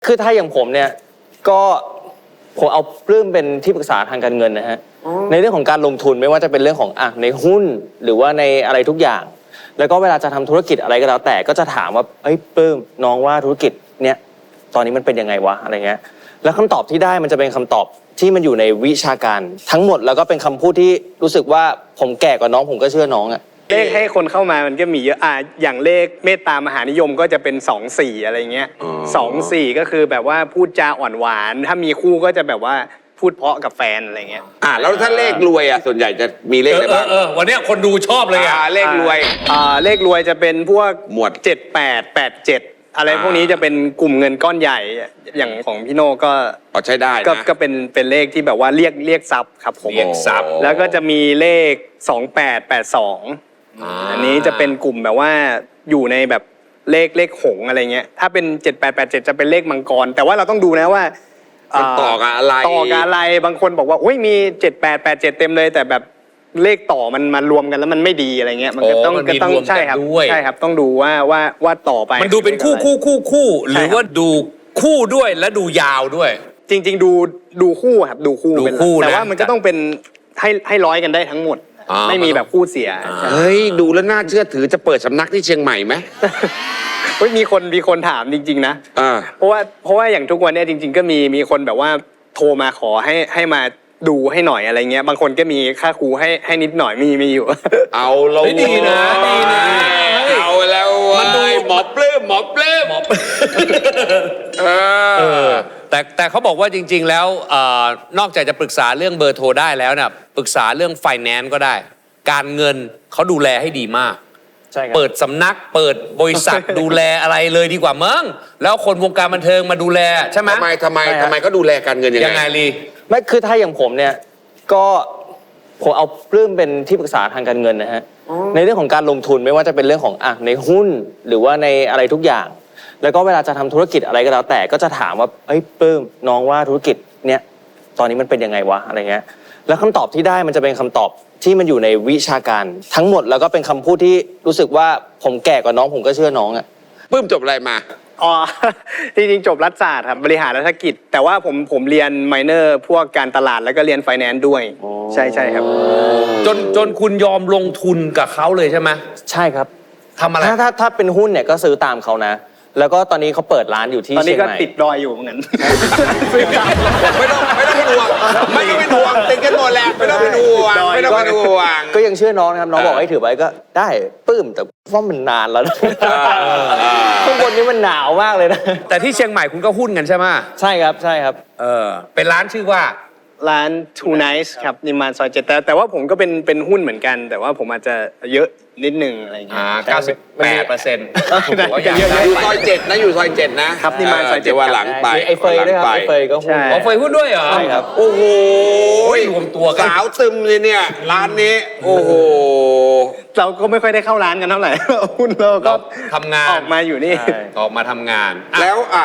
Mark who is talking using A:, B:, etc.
A: คือถ้าอย่างผมเนี่ยก็ผมเอาปลื้มเป็นที่ปรึกษาทางการเงินนะฮะในเรื่องของการลงทุนไม่ว่าจะเป็นเรื่องของในหุ้นหรือว่าในอะไรทุกอย่าง แล้วก็เวลาจะทำธุรกิจอะไรก็แล้วแต่ก็จะถามว่าเฮ้ยปลื้มน้องว่าธุรกิจเนี่ยตอนนี้มันเป็นยังไงวะอะไรเงี้ยแล้วคำตอบที่ได้มันจะเป็นคำตอบที่มันอยู่ในวิชาการทั้งหมดแล้วก็เป็นคำพูดที่รู้สึกว่าผมแก่กว่าน้องผมก็เชื่อน้องอะ
B: เลขให้คนเข้ามามันก็มีเยอะอย่างเลขเมตตามหานิยมก็จะเป็น2-4อะไรเงี้ย2-4ก็คือแบบว่าพูดจาอ่อนหวานถ้ามีคู่ก็จะแบบว่าพูดเพราะกับแฟนอะไรเงี้ย
C: แล้วถ้าเลขรวยส่วนใหญ่จะมีเลขอะไรบ้าง
D: วันนี้คนดูชอบเลย
C: เลขรวย
B: เลขรวยจะเป็นพวก
C: หมวด
B: 7887อะไรพวกนี้จะเป็นกลุ่มเงินก้อนใหญ่อย่างของพี่โน่ก็
C: ใช้ได้นะ
B: ก็เป็นเลขที่แบบว่าเรียกทรัพย์ครับผม
D: เรียกทรัพย์
B: แล้วก็จะมีเลข2882อันนี้จะเป็นกลุ่มแบบว่าอยู่ในแบบเลขหงอะไรเงี้ยถ้าเป็น7887จะเป็นเลขมังกรแต่ว่าเราต้องดูนะว่า
C: ต่อกับอะไร
B: บางคนบอกว่าโอ้ยมี7887เต็มเลยแต่แบบเลขต่อมันมารวมกันแล้วมันไม่ดีอะไรเงี้ยมันก็ต้องใช่ครับต้องดูว่าต่อไป
D: มันดูเป็นคู่หรือว่าดูคู่ด้วยและดูยาวด้วย
B: จริงๆดูคู่ครับดูคู่แต่ว่ามันก็ต้องเป็นให้ร้อยกันได้ทั้งหมดไม่มีแบบคู่เสีย
C: เฮ้ยดูแล้วน่าเชื่อถือจะเปิดสำนักที่เชียงใหม่ไหม
B: มีคนถามจริงๆนะเพราะว่าอย่างทุกวันนี้จริงๆก็มีคนแบบว่าโทรมาขอให้มาดูให้หน่อยอะไรเงี้ยบางคนก็มีค่าครูให้นิดหน่อยมีอยู่
C: เอาเรา
D: ดีนะ
C: เอาแล้วมันดูหมอปลื้ม
D: แต่เขาบอกว่าจริงๆแล้วนอกจากจะปรึกษาเรื่องเบอร์โทรได้แล้วเนี่ยปรึกษาเรื่องไฟแนนซ์ก็ได้การเงินเขาดูแลให้ดีมากเปิดสำนักเปิดบริษัทดูแลอะไรเลยดีกว่ามั้งแล้วคนวงการบันเทิงมาดูแลใช่ไหม
C: ทำไมก็ดูแลการเงินยังไง
A: ลีไม่คือถ้าอย่างผมเนี่ยก็ผมเอาปลื้มเป็นที่ปรึกษาทางการเงินนะฮะในเรื่องของการลงทุนไม่ว่าจะเป็นเรื่องของในหุ้นหรือว่าในอะไรทุกอย่างแล้วก็เวลาจะทำธุรกิจอะไรก็แล้วแต่ก็จะถามว่าเฮ้ยปลื้มน้องว่าธุรกิจเนี่ยตอนนี้มันเป็นยังไงวะอะไรเงี้ยแล้วคำตอบที่ได้มันจะเป็นคำตอบที่มันอยู่ในวิชาการทั้งหมดแล้วก็เป็นคำพูดที่รู้สึกว่าผมแก่กว่าน้องผมก็เชื่อน้องอะ
C: ปลื้มจบอะไรมา
B: จริงๆจบรัฐศาสตร์ครับบริหารรัฐกิจแต่ว่าผมเรียนไมเนอร์พวกการตลาดแล้วก็เรียนไฟแนนซ์ด้วยใช่ครับ
D: จนคุณยอมลงทุนกับเขาเลยใช่ไหม
A: ใช่ครับ
D: ทำอะไร
A: ถ้าเป็นหุ้นเนี่ยก็ซื้อตามเขานะแล้วก็ตอนนี้เขาเปิดร้านอยู่ที่เชียงใหม่
B: ตอนนี้ก็ติดดอยอยู่เหมือนกัน
C: ไม่ต้องเป็นห่วงติดกันหมดแหละไม่ต้องเป็นห่วง
A: ก็ยังเชื่อน้องนะครับน้องบอกให้ถือไว้ก็ได้ปื้มแต่ว่ามันนานแล้วข้างบนนี้มันหนาวมากเลยนะ
D: แต่ที่เชียงใหม่คุณก็หุ้นกันใช่ไหม
A: ใช่ครับ
D: เป็นร้านชื่อว่า
B: ร้าน Two Nights ครับนิมมานซอย7แต่ว่าผมก็เป็นหุ้นเหมือนกันแต่ว่าผมอาจจะเยอะนิดนึงอะไรอย่างเงี้ย
D: 98%
C: อยู่ซอย7นะอยู่ซอย7นะครับ
B: นิมมานซอย7
C: ว่าหลังไป
A: ไอเฟยด้วยครับไอเฟยก็หุ้น
D: เฟยหุ้นด้วยเหรอ
A: ใช่ครับ
C: โอ้โห
D: รวมตัวกัน
C: สาวตึมเลยเนี่ยร้านนี้โอ้โห
B: เราก็ไม่ค่อยได้เข้าร้านกันเท่าไหร่หุ้นเราก็
D: ทำงาน
B: ออกมาอยู่นี่
D: ออกมาทำงาน
C: แล้ว